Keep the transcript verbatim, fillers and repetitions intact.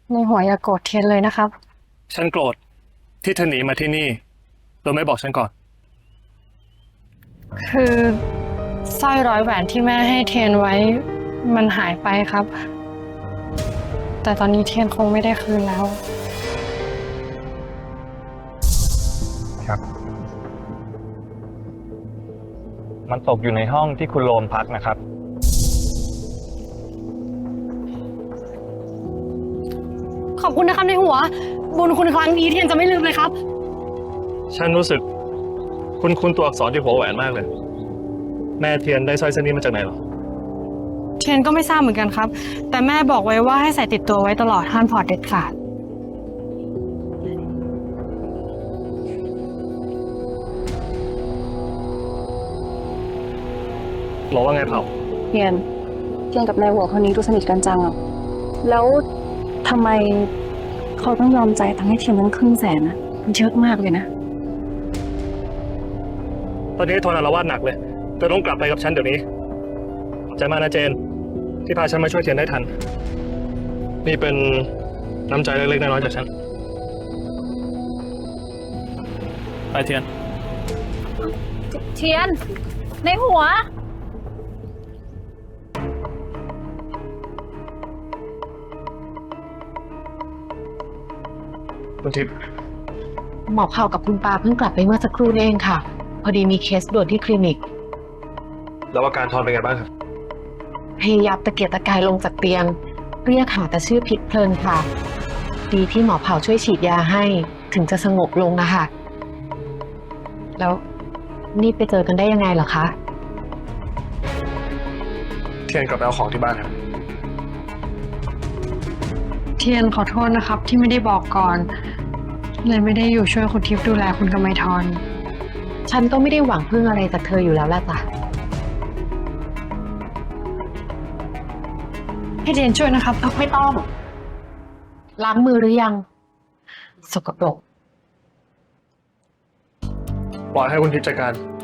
ในหัวอย่าโกรธเทียนเลยนะครับฉันโกรธที่เธอหนีมาที่นี่โดยไม่บอกฉันก่อนคือสร้อยร้อยแหวนที่แม่ให้เทียนไว้มันหายไปครับ แต่ตอนนี้เทียนคงไม่ได้คืนแล้วครับมันตกอยู่ในห้องที่คุณโรมพักนะครับขอบคุณนะครับในหัวบุญคุณครั้งนี้เทียนจะไม่ลืมเลยครับฉันรู้สึกคุณคุณตัวอักษรที่หัวแหวนมากเลยแม่เทียนได้สร้อยเส้นนี้มาจากไหนหรอเทียนก็ไม่ทราบเหมือนกันครับ แต่แม่บอกไว้ว่าให้ใส่ติดตัวไว้ตลอดห้ามถอดเด็ดขาดบอกว่าไงเผาเทียนเทียนกับนายหัวคนนี้ดูสนิทกันจังอ่ะแล้วทำไมเขาต้องยอมใจทั้งให้เทียนตั้งครึ่งแสนนะมันเยอะมากเลยนะตอนนี้ทนอารวาสหนักเลยเธอต้องกลับไปกับฉันเดี๋ยวนี้ขอบใจมากนะเจนที่พาฉันมาช่วยเทียนได้ทันนี่เป็นน้ำใจเล็กๆน้อยๆจากฉันไปเทียนเทียนในหัวคุณทิพย์หมอเผ่ากับคุณปาเพิ่งกลับไปเมื่อสักครู่นี่เองค่ะ พอดีมีเคสด่วนที่คลินิกแล้วอาการทอนเป็นไงบ้างครับพยายามตะเกียกตะกายลงจากเตียง เรียกหาแต่ชื่อพิษเพลินค่ะ ดีที่หมอเผ่าช่วยฉีดยาให้ถึงจะสงบลงนะคะแล้วนี่ไปเจอกันได้ยังไงเหรอคะเทียนกลับไปเอาของที่บ้านครับเทียนขอโทษนะครับที่ไม่ได้บอกก่อนเลยไม่ได้อยู่ช่วยคุณทิพย์ดูแลคุณกำไมทรฉันก็ไม่ได้หวังพึ่งอะไรจากเธออยู่แล้วล่ะจ้ะให้เทียนช่วยนะครับไม่ต้องล้างมือหรือยังสกปรกปล่อยให้คุณทิพย์จัดการ